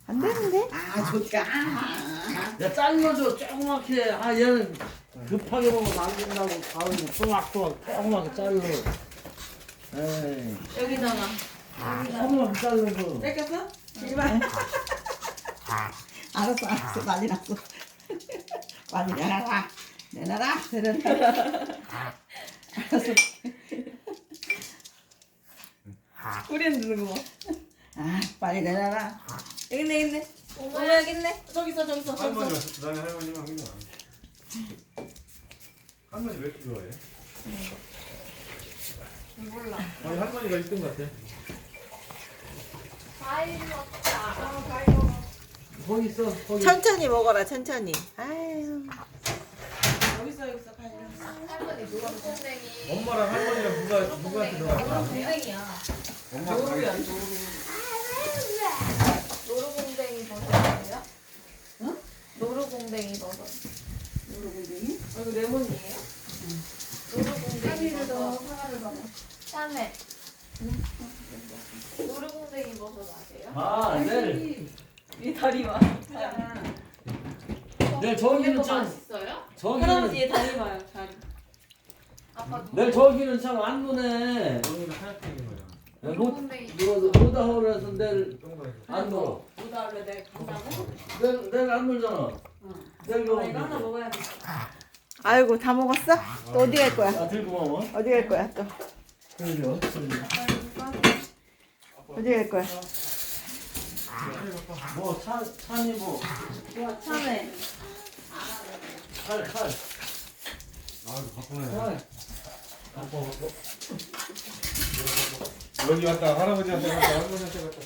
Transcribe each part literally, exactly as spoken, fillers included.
안 되는데? 아 좋다. 야 잘라줘 조그맣게. 아 얘는 급하게 먹으면 안 된다고 가을 또막또막 조그맣게 잘라. 에이 여기다가. 조그맣게 잘라서. 뺏겼어? 제발. 알았어 알았어 난리 났어. 빨리 내놔라. 내놔라. 내놔라. 알았어. 우리는 누는 거 봐. 아 빨리 내놔라. 여기 있네, 여기 있네. 엄마 여기 있네. 저기 있어, 저기 있어, 저기 할머니가 있어. 나는 할머니만 하는 거야. 할머니 왜 이렇게 좋아해? 몰라. 아니 할머니가 일 등 같아. 과일 먹자. 아, 과일 먹어. 거기 있어 거기. 천천히 먹어라 천천히. 아유. 여기 있어, 여기 있어. 과일 먹어. 할머니 노란 콩댕이. 엄마랑 할머니랑 누가 누구한테 들어갔다? 콩댕이야. 엄마 노루야, 노루. 노루공댕이 버섯 아니에요? 응? 노루공댕이 버섯. 노루공댕이? 어, 이거 레몬이에요? 응. 노루공댕이 버섯. 하나를 먹어. 짠해. 노루공댕이 버섯 아세요? 아 내일 이 다리마. 내일 저기는 이거 참 맛있어요? 저기는 할아버지 얘 다리 봐요, 다리. 아빠 내일 저기는 참 안 노네. 언니가 하얗게 생긴 거야. 로 노루공댕이. 로다홀에서 내일 안 놀아. 오다 원래 내일 간다고? 내일 내일 안 놀잖아. 내일 어, 이거 하나 가. 먹어야 돼. 아이고 다 먹었어? 또 어디 갈 거야? 아 들고 와봐. 어디 갈 거야 또? 그러죠. 어디 갈 거야? 뭐 차, 차니 뭐 와, 참해. 칼, 칼. 아 바쁘네. 칼. 바빠, 바빠. 여기 왔다 할아버지한테 갔다 할머니한테 갔다.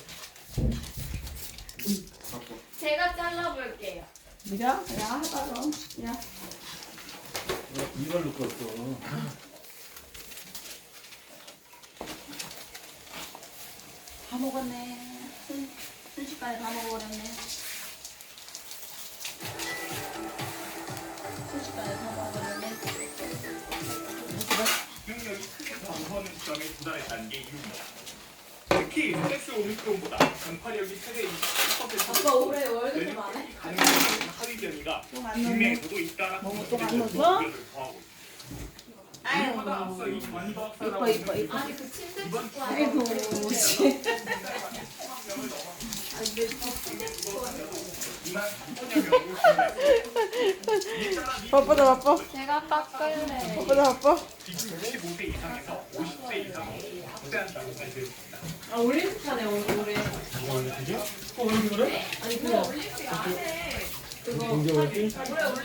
제가 잘라볼게요. 네가? 야 해봐라. 야. 이걸 넣고 또. 다 먹었네. 순, 순식간에 다 먹어버렸네. 순식간에 다 먹어버렸네. 능력이 크게 감소하는 시점에 도달했다는 게 이유입니다. 특히 섹스 오미크론보다 전파력이 최대 이십 퍼센트 아빠 올해 월급 안 해? 가능한 하위 변이가 국내에서도 있다라는 뭐또안 것을 넣었어? 우려를 더하고 있습니다. 이보다 앞서 이 전과학사라고 이뻐, 이뻐. 아니 그 침대 이번 찍고 하는 아이고 거. 씨. 이만 삼천여 명으로 증가했습니다. 바쁘다 바빠. 제가 깎을래. 바쁘다 바빠. 지금 육십오 세 이상에서 오십 세 이상으로 확대한다고 발표했습니다. 아 올림픽 하네 오늘 올해. 어, 왜 그래? 아니 그거 올림픽 안 해. 그거 올해 올림픽 안 해.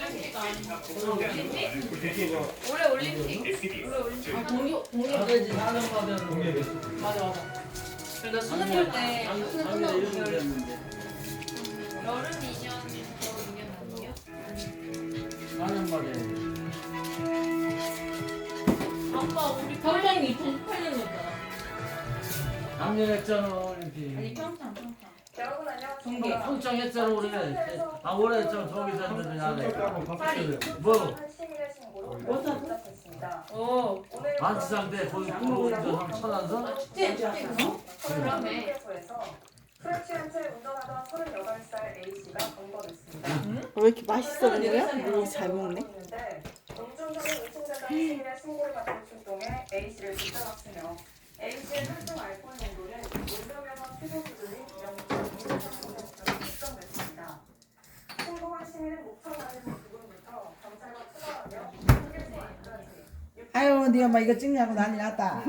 올림픽? 올해 올림픽. 올해 올림픽. 아 동요 안 동요. 되지. 나는 받으면. 맞아 맞아. 그래서 수능 볼때 수능 작년에 끝나고 이런 거 열 했는데. 여름 이 년 겨울 이 년 아니에요? 나는 말이야. 아빠 우리 평창 이천십팔 년이었잖아. 작년에 했잖아, 올림픽. 아니 평창 평창. 여러분 안녕하세요. 중계. 평창 했잖아, 올해. 아, 올해 했잖아, 저기서 했는데, 나는. 파리. 뭐, 시민의 신고로 결정됐습니다. 어. 오늘 만치상 때 거기 프로그램에서 천안서? 아 축제 축제 그거? 그러네. 휴게소에서 술에 취한 채 운전하던 서른여덟 살 A씨가 검거됐습니다. 왜 이렇게 맛있어 보여요? 이렇게 잘 먹네. 음주운전을 의심된다는 시민의 신고를 받고 출동해 A씨를 붙잡았으며 A씨의 혈중 알코올 농도는 운전면허 취소 기준인 영 점 이삼 퍼센트로 측정됐습니다. 신고한 시민은 목청 맞은 부분부터 경찰과 추가하며 휴게소 안까지 아유 네 엄마 이거 찍냐고 난리 났다.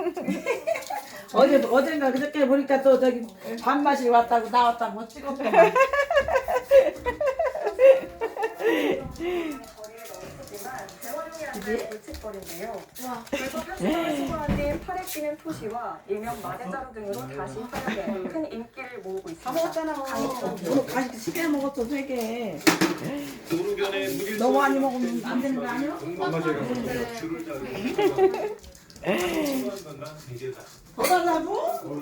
어제 어젠가 그저께 보니까 또 저기 밥맛이 왔다고 나왔다고 찍었더만. 거리에 너무 크지만 재활용이 안 되는 물칫거리인데요. 그래서 편집을 신고한 뒤 팔에 끼는 표시와 일명 마대자루 등으로 다시 활용해 큰 인기를 모으고 다 있습니다. 먹었잖아. 오늘 간식 세 개 먹었어 세 개. 도로변에 무길 너무 많이 먹으면 안 되는 거 아니야? 엄마 제가 줄을 자르고 더 달라고?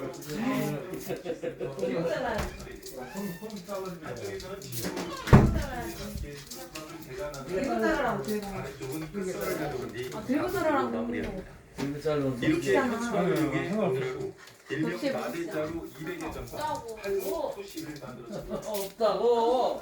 들고 살아라고 들고. 아 들고 살아라고. 이거 잘라. 이렇게 상관없어. 일명 마대자루 이백 개 전사 짜고. 팔로 토시를 만들었습니다. 없다고. 어.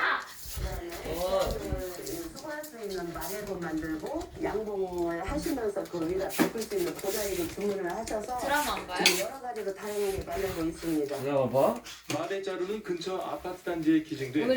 수거할 수 있는 마레도 만들고 양봉을 하시면서 그 위에다 덮을 수 있는 고다리를 주문을 하셔서 드라마 안 봐요? 지금 여러 가지로 다양하게 만들고 있습니다. 내가 봐봐. 마대자루는 근처 아파트 단지에 기증돼